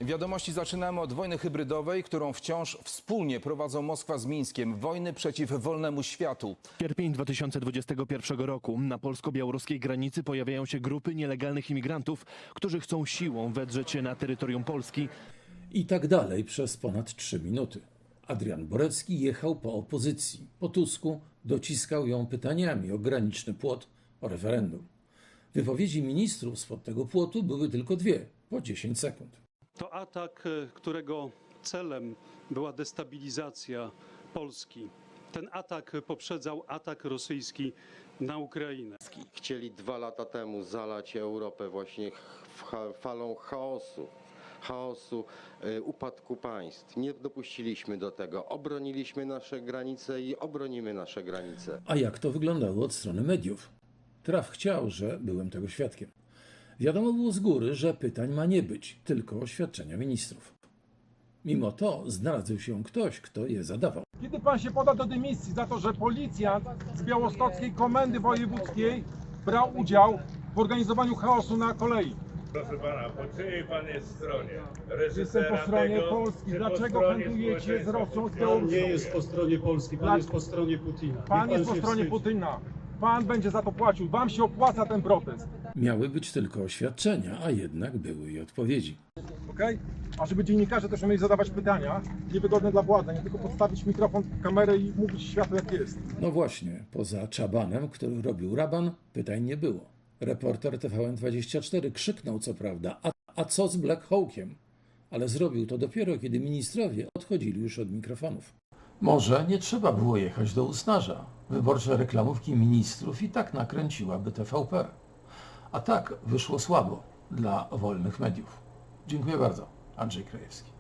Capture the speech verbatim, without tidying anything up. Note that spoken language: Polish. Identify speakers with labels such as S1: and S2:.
S1: Wiadomości zaczynamy od wojny hybrydowej, którą wciąż wspólnie prowadzą Moskwa z Mińskiem. Wojny przeciw wolnemu światu.
S2: Sierpień dwa tysiące dwudziestego pierwszego roku. Na polsko-białoruskiej granicy pojawiają się grupy nielegalnych imigrantów, którzy chcą siłą wedrzeć się na terytorium Polski.
S3: I tak dalej przez ponad trzy minuty. Adrian Borecki jechał po opozycji. Po Tusku dociskał ją pytaniami o graniczny płot, o referendum. Wypowiedzi ministrów spod tego płotu były tylko dwie, po dziesięć sekund.
S4: To atak, którego celem była destabilizacja Polski. Ten atak poprzedzał atak rosyjski na Ukrainę.
S5: Chcieli dwa lata temu zalać Europę właśnie falą chaosu, chaosu, upadku państw. Nie dopuściliśmy do tego. Obroniliśmy nasze granice i obronimy nasze granice.
S3: A jak to wyglądało od strony mediów? Traf chciał, że byłem tego świadkiem. Wiadomo było z góry, że pytań ma nie być, tylko oświadczenia ministrów. Mimo to znalazł się ktoś, kto je zadawał.
S6: Kiedy pan się poda do dymisji za to, że policjant z białostockiej komendy wojewódzkiej brał udział w organizowaniu chaosu na kolei?
S7: Proszę pana, po czyjej pan jest stronie?
S6: Jestem po stronie
S7: tego,
S6: Polski.
S7: czy po
S6: Dlaczego
S7: stronie
S6: handlujecie z Rosją, z
S7: społeczeństwa?
S6: Białorusią?
S8: Pan nie jest po stronie Polski, pan
S6: Dla-
S8: jest po stronie Putina. Niech
S6: Pan jest po
S8: się
S6: stronie
S8: wstydzi.
S6: Putina. Pan będzie za to płacił. Wam się opłaca ten protest.
S3: Miały być tylko oświadczenia, a jednak były i odpowiedzi.
S6: Okej? A żeby dziennikarze też umieli zadawać pytania niewygodne dla władzy, nie tylko podstawić mikrofon, kamerę i mówić światu jak jest.
S3: No właśnie, poza Czabanem, który robił raban, pytań nie było. Reporter T V N dwadzieścia cztery krzyknął co prawda, a, a co z Black Hawkiem? Ale zrobił to dopiero, kiedy ministrowie odchodzili już od mikrofonów. Może nie trzeba było jechać do Usnarza. Wyborcze reklamówki ministrów i tak nakręciłaby T V P. A tak wyszło słabo dla wolnych mediów. Dziękuję bardzo. Andrzej Krajewski.